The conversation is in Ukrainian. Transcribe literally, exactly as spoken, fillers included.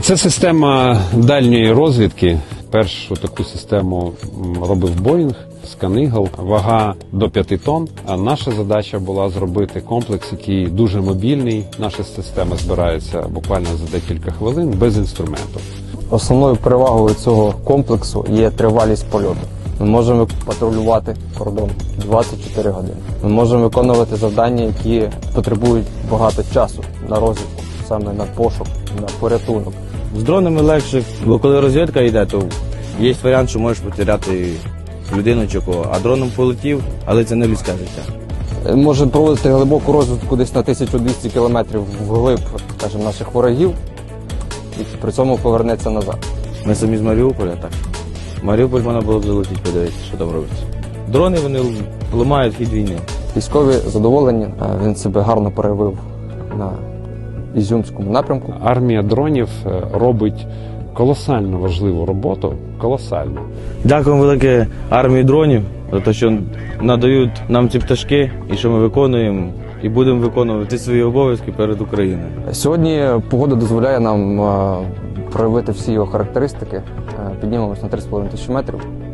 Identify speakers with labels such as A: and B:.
A: Це система дальньої розвідки. Першу таку систему робив Боїнг, Скан-Ігл, вага до п'яти тонн. А наша задача була зробити комплекс, який дуже мобільний. Наша система збирається буквально за декілька хвилин без інструменту.
B: Основною перевагою цього комплексу є тривалість польоту. Ми можемо патрулювати кордон двадцять чотири години. Ми можемо виконувати завдання, які потребують багато часу на розвідку, саме на пошук, на порятунок.
C: З дронами легше, бо коли розвідка йде, то є варіант, що можеш потеряти людину чи кого. А дроном полетів, але це не людське життя.
B: Може проводити глибоку розвідку десь на тисячу двісті кілометрів вглиб, скажімо, наших ворогів, і при цьому повернеться назад.
C: Ми самі з Маріуполя, так. Маріуполь можна було б залетіти, подивитися, що там робиться. Дрони, вони ламають хід війни.
B: Військові задоволені, він себе гарно проявив на Ізюмському напрямку.
A: Армія дронів робить колосально важливу роботу, колосально.
C: Дякуємо велике армії дронів за те, що надають нам ці пташки і що ми виконуємо і будемо виконувати свої обов'язки перед Україною.
B: Сьогодні погода дозволяє нам проявити всі його характеристики. Піднімемось на три з половиною тисячі метрів.